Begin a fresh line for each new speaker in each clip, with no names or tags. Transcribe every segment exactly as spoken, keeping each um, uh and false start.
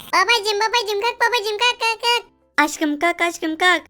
Babacım babacım kalk babacım kalk kalk kalk. Aşkım kalk aşkım kalk.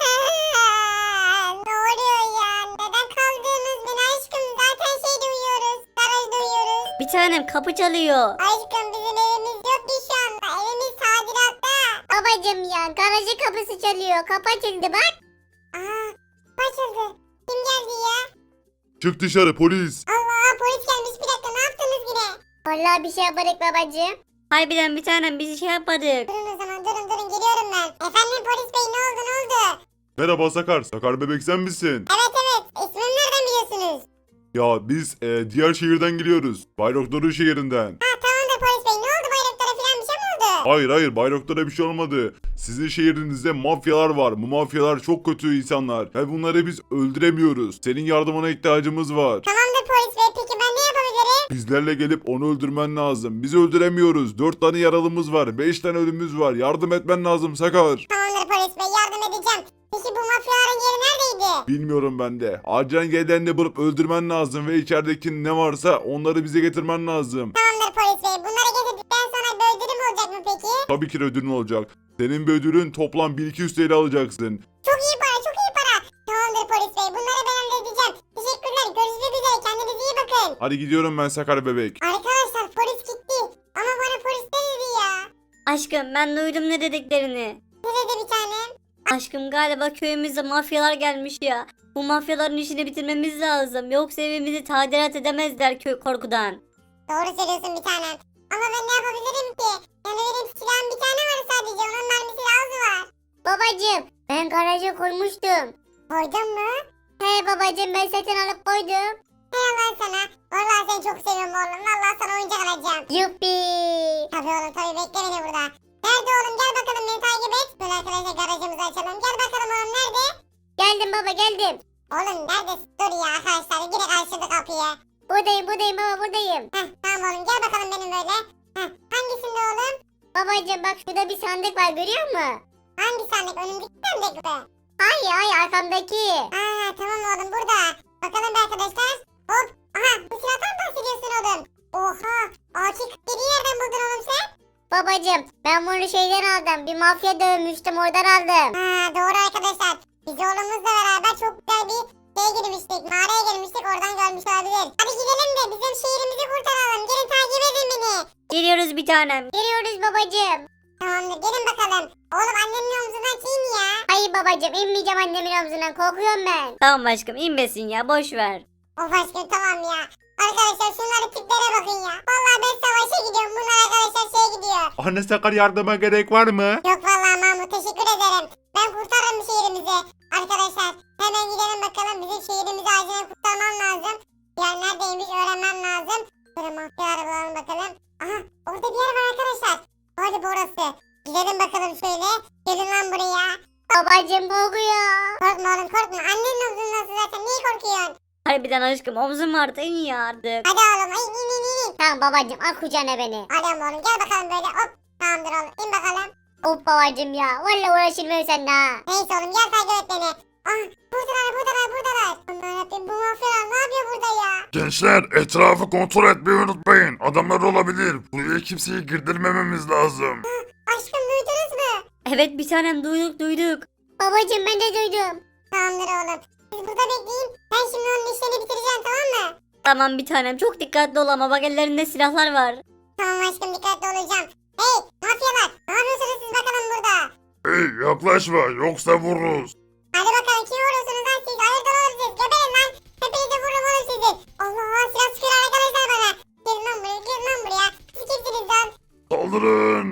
Aa, ne oluyor ya? Neden kaldığımız beni aşkım? Zaten şeyde uyuyoruz. Garajda uyuyoruz.
Bir tanem kapı çalıyor.
Aşkım bizim evimiz yok ki şu anda. Evimiz tadilatta.
Babacım ya garajı kapısı çalıyor. Kapı açıldı bak.
Aa, açıldı. Kim geldi ya?
Çık dışarı polis.
Allah, polis gelmiş. Bir dakika, ne yaptınız yine?
Vallahi bir şey yapmadık babacım. Harbiden bir tanem biz şey yapmadık.
Durun o zaman, durun durun, geliyorum ben. Efendim polis bey, ne oldu ne oldu?
Merhaba Sakar. Sakar bebek sen misin?
Evet evet, ismimi nereden biliyorsunuz?
Ya biz e, diğer şehirden geliyoruz. Bayraktarı şehrinden.
Ha tamamdır polis bey, ne oldu, bayraklara falan bir şey mi oldu?
Hayır hayır Bayraktar'a bir şey olmadı. Sizin şehrinizde mafyalar var. Bu mafyalar çok kötü insanlar. Ve bunları biz öldüremiyoruz. Senin yardımına ihtiyacımız var.
Tamamdır polis bey, peki ben ne yapabilirim?
Bizlerle gelip onu öldürmen lazım. Biz öldüremiyoruz. Dört tane yaralımız var. Beş tane ölümümüz var. Yardım etmen lazım Sakar.
Tamamdır polis bey, yardım edeceğim. Peki bu mafyaların yeri neredeydi?
Bilmiyorum ben de. Acilen yerlerini bulup öldürmen lazım ve içerideki ne varsa onları bize getirmen lazım.
Tamamdır polis bey, bunları getirdikten sonra bir ödülüm olacak mı peki?
Tabii ki de ödülün olacak. Senin bir ödülün toplam bin iki yüz T L alacaksın.
Çok iyi para, çok iyi para. Tamamdır polis bey, bunları ben halledeceğim. Teşekkürler, görüşmek üzere, kendinize iyi bakın.
Hadi gidiyorum ben Sakar bebek.
Arkadaşlar polis gitti. Ama bana polis ne dedi ya?
Aşkım ben duydum ne dediklerini.
Ne dedi bir tanem?
Aşkım galiba köyümüze mafyalar gelmiş ya. Bu mafyaların işini bitirmemiz lazım. Yoksa evimizi tadilat edemezler köy korkudan.
Doğru söylüyorsun bir tanem. Ama ben ne yapabilirim ki? Yani benim silahım bir tane var sadece. Onun mermisi daha azı var.
Babacım ben garaja koymuştum.
Koydun mu?
He babacım ben satın alıp koydum.
Hey Allah sana. Vallahi seni çok seviyorum oğlum. Vallahi sana oyuncak alacağım.
Yuppi.
Tabii oğlum tabii, bekle beni burada. Nerede oğlum, gel bakalım beni takip et. Böyle arkadaşlar garajımızı açalım. Gel bakalım oğlum, nerede?
Geldim baba geldim.
Oğlum neredesin? Dur ya arkadaşlar. Direkt açtı kapıyı.
Buradayım buradayım baba buradayım.
Heh tamam oğlum, gel bakalım benim böyle. Heh, hangisinde oğlum?
Babacım bak şurada bir sandık var görüyor musun?
Hangi sandık? Önümdeki sandık mı?
Hayır hayır arkamdaki.
Aa tamam oğlum, burada. Bakalım be arkadaşlar. Hop. Aha, bu silahtan bahsediyorsun oğlum. Oha. A K kırk yediyi nereden buldun oğlum sen?
Babacım ben bunu şeyden aldım. Bir mafya dövmüştüm oradan aldım.
Ha doğru arkadaşlar. Biz oğlumuzla beraber çok güzel bir şeye girmiştik. Mağaraya girmiştik, oradan görmüş olabilir. Hadi gidelim de bizim şehrimizi kurtaralım. Gelin takip edin beni.
Geliyoruz bir tanem. Geliyoruz babacım.
Tamamdır, gelin bakalım. Oğlum annemin omzundan çiğin ya.
Hayır babacım inmeyeceğim annemin omzundan korkuyorum ben. Tamam aşkım inmesin ya boş ver.
Of aşkım tamam ya. Arkadaşlar şunların tiplere bakın ya. Vallahi ben savaşa gidiyorum. Bunlar arkadaşlar şeye gidiyor.
Anne Sakar yardıma gerek var mı?
Yok vallahi Mahmut, teşekkür ederim. Ben kurtarırım şehrimizi. Arkadaşlar hemen gidelim bakalım. Bizim şehrimizi acilen kurtarmam lazım. Yer neredeymiş öğrenmem lazım. Böyle mafyalara bulalım bakalım. Aha orada bir yer var arkadaşlar. Hadi burası. Gidelim bakalım şöyle. Gelin lan buraya.
Babacım korkuyor.
Korkma oğlum korkma. Annenin omzundasın zaten. Niye korkuyorsun?
Harbiden aşkım omzum vardı in ya artık.
Hadi oğlum. Ay, in in in in.
Tamam babacım al kucağına beni.
Hadi oğlum gel bakalım böyle. Hop. Tamamdır oğlum. İn bakalım.
Of babacım ya valla uğraşılmıyor seninle ha.
Neyse oğlum gel takip et beni. Ah buradalar buradalar buradalar. Aman Rabbim, bu mafyalar ne yapıyor burada ya?
Gençler etrafı kontrol etmeyi unutmayın. Adamlar olabilir. Buraya kimseyi girdirmememiz lazım.
Aşkım duydunuz mu?
Evet bir tanem duyduk duyduk. Babacım ben de duydum.
Tamamdır oğlum. Siz burada bekleyin. Ben şimdi onun işlerini bitireceğim, tamam mı?
Tamam bir tanem çok dikkatli ol ama bak ellerinde silahlar var.
Tamam aşkım, dikkatli olacağım. Hey mafyalar, ne yapıyorsunuz siz bakalım burada?
Hey yaklaşma yoksa vururuz.
Hadi bakalım, kim vuruyorsunuz lan siz? Hayırdır oğlum siz? Geberin lan. Hepinizi vururum oğlum sizi. Allah Allah, silah sıkıyor arkadaşlar bana. Gelin lan buraya, gelin lan buraya. Siz kimsiniz lan?
Saldırın.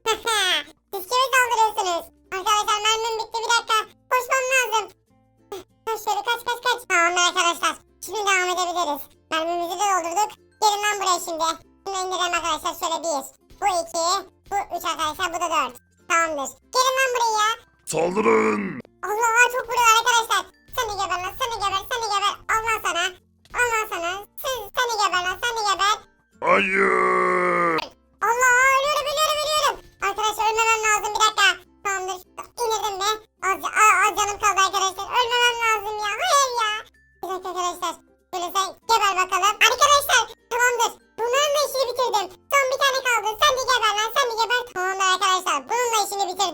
Siz kime saldırıyorsunuz? Arkadaşlar mermim bitti, bir dakika. Koşmam lazım. Kaç şöyle, kaç kaç kaç. Tamamdır arkadaşlar. Şimdi devam edebiliriz. Mermimizi de doldurduk. Gelin lan buraya şimdi. Şimdi indirelim arkadaşlar, şöyle bir. Bu iki. Bu üç arkadaşlar, bu da dört. Tamamdır. Gelin lan buraya.
Saldırın.
Allah Allah, çok vuruyor arkadaşlar. Sen de geber lan, sen de geber, sen de geber. Allah sana. Allah sana. Sen, sen de geber lan, sen de geber.
Hayır.
Allah, ölüyorum ölüyorum ölüyorum. Arkadaşlar ölmemem lazım, bir dakika. Tamamdır. İndirdim mi? Az, az, az canım kaldı arkadaşlar. Ölmemem lazım ya. Hayır ya. Bir dakika arkadaşlar. Böyle sen geber bakalım. Arkadaşlar tamamdır. Bunların da işini bitirdim. Son bir tane kaldı. Sen de geber lan, sen de geber. Tamamdır arkadaşlar.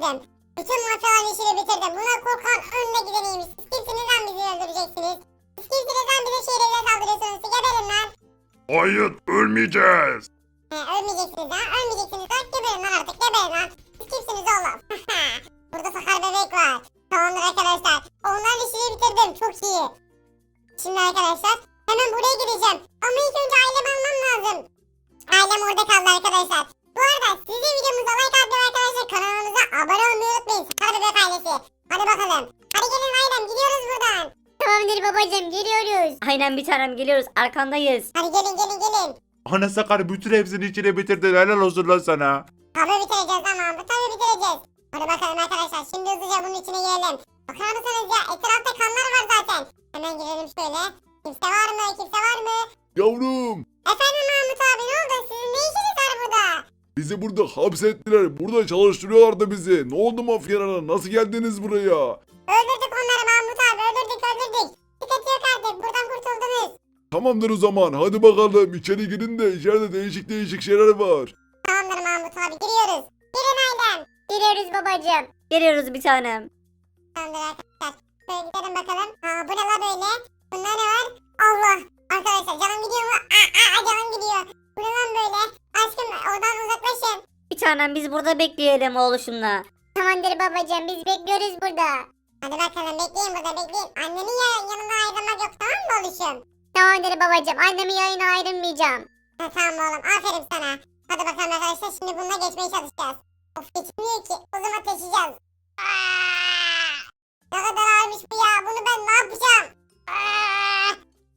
bitirdim. Bütün mafyaların işini bitirdim. Buna korkan önüne gideniymiş. Siz kimsiniz lan bizi öldüreceksiniz? Siz kimsiniz lan bize şehrimize saldırıyorsunuz? Siz geberin lan.
Hayır ölmeyeceğiz.
He, ölmeyeceksiniz ha. Ölmeyeceksiniz lan. Geberin lan artık. Geberin lan. Siz kimsiniz oğlum? Burada sakar bebek var. Tamamdır arkadaşlar. Onların işini bitirdim. Çok iyi. Şimdi arkadaşlar hemen buraya gideceğim. Ama ilk önce ailemi almam lazım. Ailem orada kaldı arkadaşlar. Bu arada sizin videomuza like atmayı arkadaşlar, kanalımıza abone olmayı unutmayın. Sakar bebek ailesi. Hadi bakalım. Hadi gelin ailem, gidiyoruz buradan.
Tamamdır babacım, geliyoruz. Aynen bir tanem, geliyoruz, arkandayız.
Hadi gelin gelin gelin.
Ana Sakar bütün hepsini içine bitirdin. Helal olsun lan sana.
Tabii bitireceğiz ama bu tabii bitireceğiz. Hadi bakalım arkadaşlar, şimdi hızlıca bunun içine girelim. Bakar mısınız ya, etrafta kanlar var zaten. Hemen girelim şöyle. Kimse var mı? Kimse var mı?
Yavrum.
Efendim Mahmut abi, ne oldu? Sizin ne işiniz var burada?
Bizi burada hapsettiler. Burada çalıştırıyorlardı bizi. Ne oldu mafyalara? Nasıl geldiniz buraya?
Öldürdük onları Mahmut abi, öldürdük öldürdük. Sıkıntı yok artık, buradan kurtuldunuz.
Tamamdır o zaman. Hadi bakalım içeri girin de içeride değişik değişik şeyler var.
Tamamdır Mahmut abi, giriyoruz. Girin ailem.
Geliyoruz babacım. Geliyoruz bir tanem.
Tamamdır arkadaşlar. Şöyle gidelim bakalım. Aa, bu ne la böyle? Bunda ne var? Allah. Arkadaşlar canım gidiyor mu? Aa, aa, canım gidiyor. Bu ne lan böyle? Aşkım oradan uzaklaşın.
Bir tanem biz burada bekleyelim oğluşumla. Tamamdır babacım, biz bekliyoruz burada.
Hadi bakalım bekleyin burada bekleyin. Annenin ya, yanına ayrılmak yok, tamam mı oğlum?
Tamamdır babacım, annemin yayına ayrılmayacağım.
Ha, tamam oğlum, aferin sana. Hadi bakalım arkadaşlar, şimdi bununla geçmeye çalışacağız. Of, geçmiyor ki, o zaman taşıyacağız. Aa! Ne kadar ağırmış bu ya, bunu ben ne yapacağım? Aa!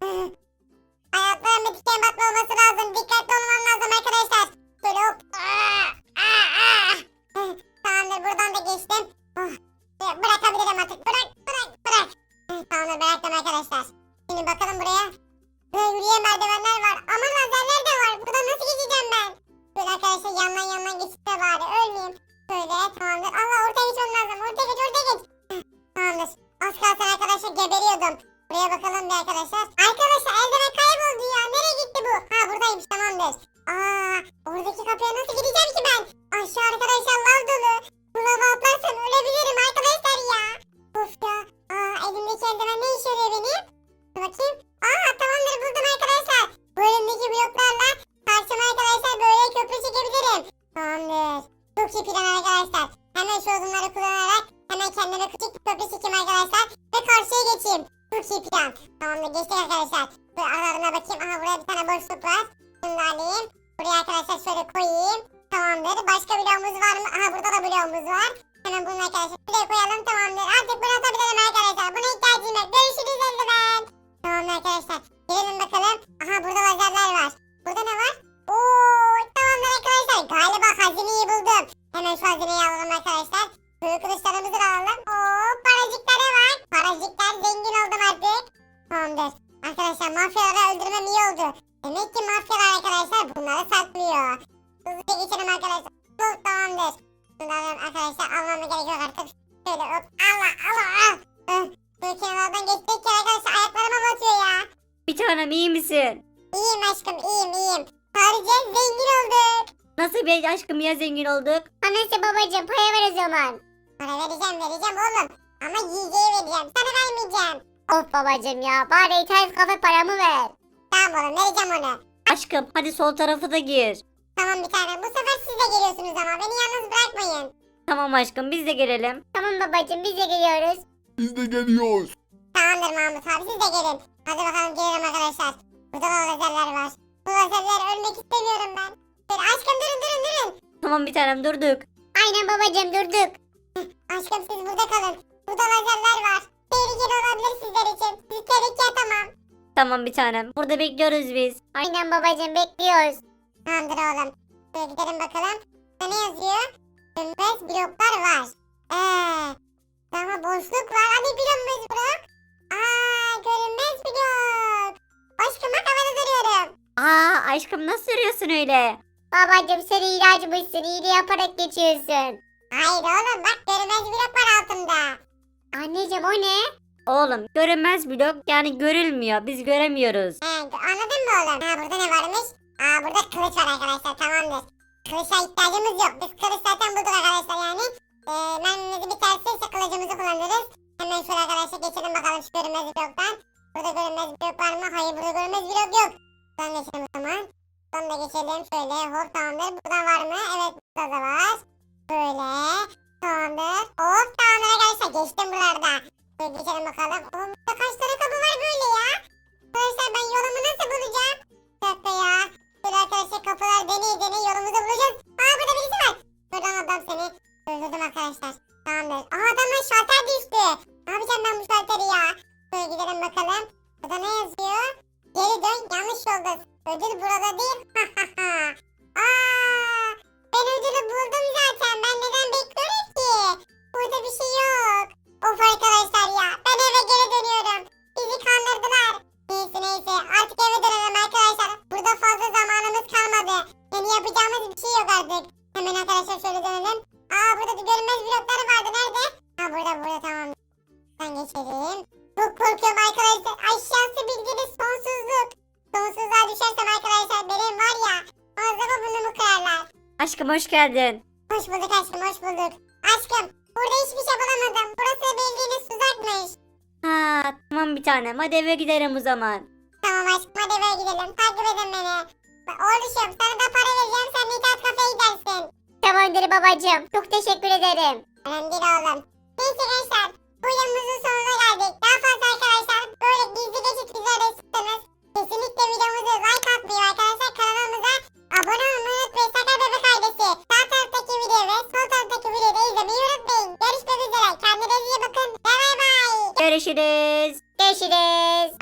Ayaklarımda diken batma olması lazım, dikkatli olmam lazım arkadaşlar. Şöyle hop. Aa! Aa! Aa! Tamamdır, buradan da geçtim. Oh. Bırakabilirim artık, bırak bırak bırak. Tamamdır, bıraktım arkadaşlar. Şimdi bakalım buraya. Böyle yürüyen merdivenler var. Ama lazerler de var. Buradan nasıl geçeceğim ben? Böyle arkadaşlar yandan yandan geçip de bari ölmeyeyim. Böyle tamamdır. Allah, ortaya geçmem lazım. Ortaya geç ortaya geç. Heh, tamamdır. Az kalsın arkadaşlar geberiyordum. Buraya bakalım bir arkadaşlar. Arkadaşlar eldiven kayboldu ya. Nereye gitti bu? Ha, buradaymış, tamamdır. Aa, oradaki kapıya nasıl gideceğim ki ben? Aşağı arkadaşlar lav dolu. Bu lava atlarsam ölebilirim arkadaşlar ya. Of ya. Aa, elimdeki eldiven ne işe yarıyor benim? Dur bakayım. Aa, tamamdır, buldum arkadaşlar. Bu elimdeki bloklarla karşıma arkadaşlar böyle köprü çekebilirim. Tamamdır. Çok iyi plan arkadaşlar. Hemen şu odunları kullanarak hemen kendime küçük bir köprü çekeyim arkadaşlar. Ve karşıya geçeyim. Çok iyi plan. Tamamdır, geçtik arkadaşlar. Böyle aralarına bakayım. Aha, buraya bir tane boşluk var. Bunu da alayım. Buraya arkadaşlar şöyle koyayım. Tamamdır. Başka bloğumuz var mı? Aha, burada da bloğumuz var. Hemen bunu arkadaşlar buraya koyalım, tamamdır. Artık bunu atabilirim arkadaşlar. Buna ihtiyacım yok. Görüşürüz eldiven. Tamamdır arkadaşlar. Girelim bakalım. Aha, burada lazerler var. Burada ne var? Oo, tamamdır arkadaşlar. Galiba hazineyi buldum. Hemen şu hazineyi alalım arkadaşlar. Büyük kılıçlarımızı da alalım. Oo, paracıklara bak. Paracıklar, zengin oldum artık. Tamamdır. Arkadaşlar mafyaları öldürmem iyi oldu. Demek ki mafyalar arkadaşlar bunları saklıyor. Hızlıca geçelim arkadaşlar. Hop, tamamdır. Bunları arkadaşlar almama gerek yok artık. Şöyle hop. Allah Allah al. Hıh. Böyle kenarlardan geçtik ki arkadaşlar ayaklarıma batıyor ya.
Bir tanem, iyi misin?
İyiyim aşkım, iyiyim iyiyim. Sadece zengin olduk.
Nasıl bir aşkım ya zengin olduk?
Anası babacığım paya ver o zaman. Para vereceğim vereceğim oğlum. Ama yiyeceği vereceğim. Sana vermeyeceğim.
Of babacım ya, bari internet kafe paramı ver.
Tamam oğlum, vereceğim onu.
Aşkım hadi sol tarafı da gir.
Tamam bir tane. Bu sefer siz de geliyorsunuz ama beni yalnız bırakmayın.
Tamam aşkım, biz de gelelim.
Tamam babacığım, biz de geliyoruz.
Biz de geliyoruz.
Tamamdır Mahmut abi, siz de gelin. Hadi bakalım gelelim arkadaşlar. Burada da lazerler var. Bu lazerler ölmek istemiyorum ben. Böyle aşkım durun durun durun.
Tamam bir tanem, durduk.
Aynen babacığım, durduk. Aşkım siz burada kalın. Burada lazerler var. Tehlikeli olabilir sizler için. Sizi tehlikeye atamam.
Tamam bir tanem, burada bekliyoruz biz.
Aynen babacığım, bekliyoruz. Tamamdır oğlum. Şöyle gidelim bakalım. Burada ne yazıyor? Dönmez bloklar var. Eee. Ama boşluk var. Hani görünmez blok? Aaa, görünmez blok. Aşkım bak, havada duruyorum.
Aa aşkım, nasıl yürüyorsun öyle?
Babacığım sen ilacımızsın. İyiliği yaparak geçiyorsun. Hayır oğlum, bak görünmez blok var altında. Anneciğim o ne?
Oğlum görünmez blok, yani görülmüyor, biz göremiyoruz.
He, anladın mı oğlum? Ha, burada ne varmış? Aa, burada kılıç var arkadaşlar, tamamdır. Kılıça ihtiyacımız yok. Biz kılıç zaten bulduk arkadaşlar yani. e, mermimizi biterse kılıcımızı kullanırız. Hemen şöyle arkadaşlar geçelim bakalım şu görünmez bloktan. Burada görünmez blok var mı? Hayır, burada görünmez blok yok. Buradan geçelim o zaman. Buradan da geçelim şöyle. Hop, tamamdır. Buradan var mı? Evet, burada da var. Böyle. Tamamdır. Hop, tamamdır arkadaşlar. Geçtim buralarda. Şöyle geçelim bakalım. Oğlum burada kaç tane kapı var böyle ya? Arkadaşlar ben yolumu nasıl bulacağım? Bir dakika ya. Şöyle arkadaşlar kapılar deney deney yolumuzu bulacağız. Aa, burada birisi var. Buradan adam seni. Öldürdüm arkadaşlar. Tamamdır. Aa, adamın şalter düştü. Ne yapacağım ben bu şalteri ya? Şöyle gidelim bakalım. Burada ne yazıyor? Geri dön, yanlış yoldasın. Ödül burada değil. Aa, ben ödülü buldum zaten. Ben neden bekliyorum ki? Burada bir şey yok. Of arkadaşlar ya. Ben eve geri dönüyorum. Bizi kandırdılar. Neyse neyse. Artık eve dönelim arkadaşlar. Burada fazla zamanımız kalmadı. Yani yapacağımız bir şey yok artık. Hemen arkadaşlar şöyle dönelim. Aa, burada da görünmez blokları vardı. Nerede? Ha, burada burada, tamam. Ben geçelim. Çok korkuyorum arkadaşlar. Aşağısı bildiğiniz sonsuzluk. Sonsuzluğa düşersem arkadaşlar benim var ya. Ağzıma burnumu kırarlar.
Aşkım hoş geldin.
Hoş bulduk aşkım, hoş bulduk. Aşkım, burada hiçbir şey bulamadım. Burası bildiğiniz tuzakmış.
Ha tamam bir tanem. Hadi eve gidelim o zaman.
Tamam aşkım, hadi eve gidelim. Takip edin beni. Oğluşum, sana da para vereceğim. Sen internet kafeye gidersin.
Tamamdır babacığım. Çok teşekkür ederim.
Önemli değil oğlum. Neyse gençler, bu videomuzun sonuna geldik. Daha fazla arkadaşlar böyle gizli geçit videoları istiyorsanız kesinlikle videomuzu like atmayı, arkadaşlar kanalımıza abone olmayı unutmayın. Sakar Bebek ailesi. Sağ taraftaki videoyu ve sol taraftaki videoyu da izlemeyi unutmayın. Görüşmek üzere. Kendinize iyi bakın. Bay bay.
Görüşürüz.
Görüşürüz.